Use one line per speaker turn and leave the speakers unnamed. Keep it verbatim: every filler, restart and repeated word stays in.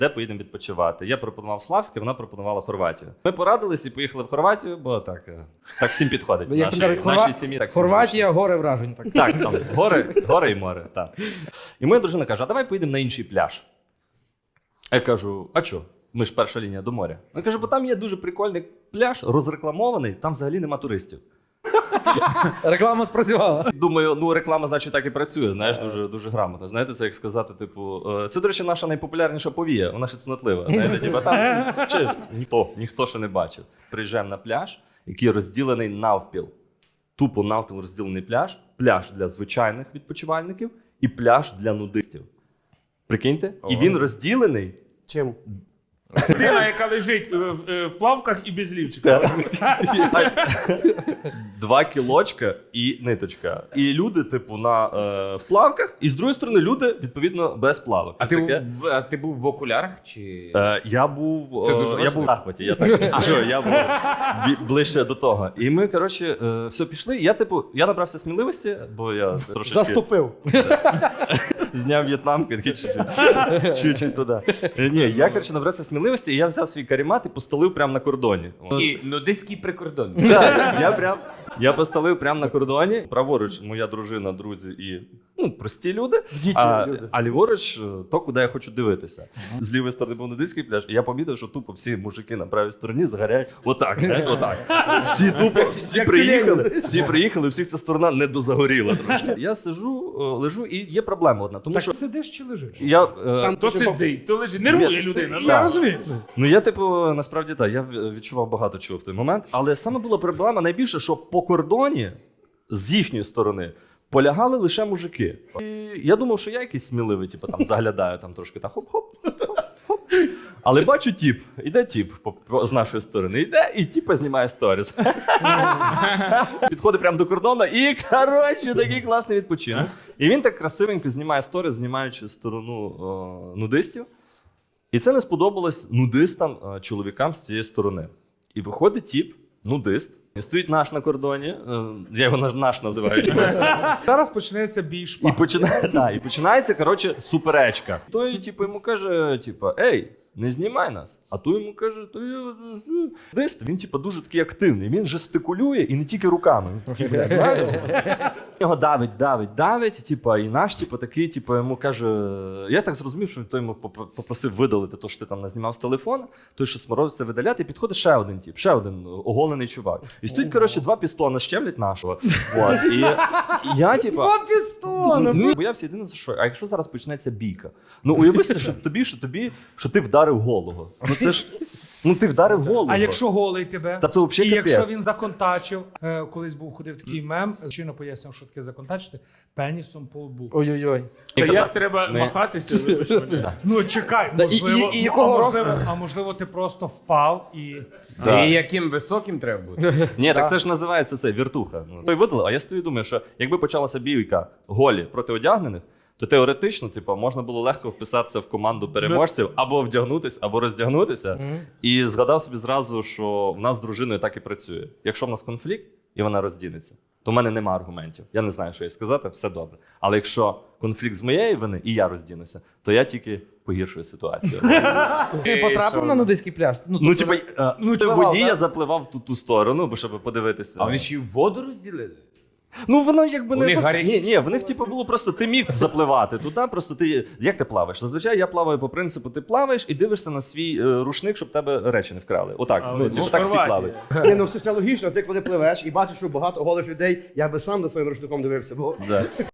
де поїдемо відпочивати. Я пропонував Славське, вона пропонувала Хорватію. Ми порадились і поїхали в Хорватію, бо так, е, так всім підходить.
Як
Наші,
кажуть,
нашій
Хорва-
сім'ї так всім
Хорватія, гори вражень. Так.
так, там гори, гори і море. Так. І моя дружина каже: а давай поїдемо на інший пляж. А я кажу: а що? Ми ж перша лінія до моря. Вона каже: бо там є дуже прикольний пляж, розрекламований, там взагалі нема туристів.
Реклама спрацювала.
Думаю, ну реклама, значить, так і працює, знаєш, дуже, дуже грамотно. Знаєте, це як сказати, типу, е, це, до речі, наша найпопулярніша повія, вона ще цнотлива. Знаєте, типу, там чи, ніхто, ніхто ще не бачив. Приїжджаємо на пляж, який розділений навпіл. Тупо навпіл розділений пляж, пляж для звичайних відпочивальників і пляж для нудистів. Прикиньте? І він розділений.
Чим?
Людина, яка лежить е, в, е, в плавках і без лівчика.
Два кілочка і ниточка. І люди, типу, на е, в плавках, і з другої сторони люди, відповідно, без плавок.
А ти,
Таке.
в, а ти був в окулярах чи.
Е, я був,
Це
е,
дуже
я
важливо.
був в захваті, я так скажу, я був бі- ближче до того. І ми, коротше, е, все пішли. І я, типу, я набрався сміливості, бо я трошечки
Заступив.
зняв в'єтнамку, такий чуть-чуть, чуть-чуть туди. Е, Ні, я, коротше, набрався сміливості, і я взяв свій каремат і постелив прямо на кордоні.
І нудистський прикордон.
Так, я прям я поставив прямо на кордоні. Праворуч моя дружина, друзі і ну, прості люди. А, а ліворуч то, куди я хочу дивитися. З лівої сторони був нудистський пляж, і я помітив, що тупо всі мужики на правій стороні згоряють отак, знаєш, отак. Всі тупо, всі приїхали, всі приїхали, всіх ця сторона не дозагоріла трошки. Я сиджу, о, лежу, і є проблема одна. Тому
Так
що
сидиш чи лежиш?
я, е,
То сидить, то лежить. Нервує людина. Ну, я розумію.
Ну я, типу, насправді так, я відчував багато чого в той момент. Але саме була проблема найбільше, що по кордоні з їхньої сторони полягали лише мужики. І я думав, що я якийсь сміливий, типу, там заглядаю там трошки так хоп-хоп. хоп. Але бачу тіп, іде тіп по- по- з нашої сторони, іде і тіпа знімає сторіс. Підходить прямо до кордону і, коротше, такий класний відпочинок. І він так красивенько знімає сторіс, знімаючи сторону о, нудистів. І це не сподобалось нудистам, е, чоловікам з цієї сторони. І виходить тіп, нудист, і стоїть наш на кордоні, е, я його наш, наш називаю.
Зараз почнеться бій
І,
шпаг.
починає, да, і починається, коротше, суперечка. Той, типу, йому каже, типу, ей, не знімай нас. А той йому каже, то я... Дист, він, типу, дуже такий активний. Він жестикулює і не тільки руками. Він трохи, блядь, правильно? Його давить, давить, давить, типу, і наш, типу, такий, типу, йому каже, я так зрозумів, що той йому поп- попросив видалити те, що ти там назнімав з телефона, той, що сморозиться видаляти, і підходить ще один тип, ще один оголений чувак. І стоїть, коротше, два пістона щемлять нашого. От, і, і я, типу,
Два пістона!
ну, боявся єдине за що. А якщо зараз почнеться бійка? Ну, уяви собі, що тобі, що тобі, що ти вдарив голову. Ну це ж, ну ти вдарив голову.
А якщо голий тебе?
Та це взагалі
І якщо
капець.
він законтачив, е, колись був ходив такий мем, щойно пояснив, що таке законтачити, пенісом по лбу.
Ой-ой-ой.
Та
казав,
як треба
ми-
махатися? вибач мене. Ну чекай,
Да, і-
можливо,
і- і
ну,
якого
а,
росту?
можливо, а можливо ти просто впав і...
Да.
І яким високим треба бути?
Ні, так це ж називається це віртуха. Ну, це видали, а я стою і думаю, що якби почалася бійка голі проти одягнених, то теоретично, типу, можна було легко вписатися в команду переможців або вдягнутися, або роздягнутися. І згадав собі зразу, що в нас з дружиною так і працює. Якщо в нас конфлікт і вона роздінеться, то в мене нема аргументів. Я не знаю, що їй сказати, все добре. Але якщо конфлікт з моєї вини і я роздінуся, то я тільки погіршую ситуацію.
Ти потрапив на нудистський пляж?
Ну,
тобто-
типу, е,
ну,
в
пливав,
воді
да?
я запливав в ту, ту сторону, бо щоб подивитися.
А вони ще й воду розділили?
Ну воно якби
У
не
них
по-
гарячі
ні, ні, в них типу було просто ти міг запливати туди, просто ти як ти плаваєш? Зазвичай я плаваю по принципу, ти плаваєш і дивишся на свій е, рушник, щоб тебе речі не вкрали. Отак,
А,
ну
ну,
це
в
ж так всі
Хорватії.
плавають.
Ні, ну все це логічно, ти коли пливеш і бачиш, що багато голих людей, я би сам за своїм рушником дивився, бо
Да.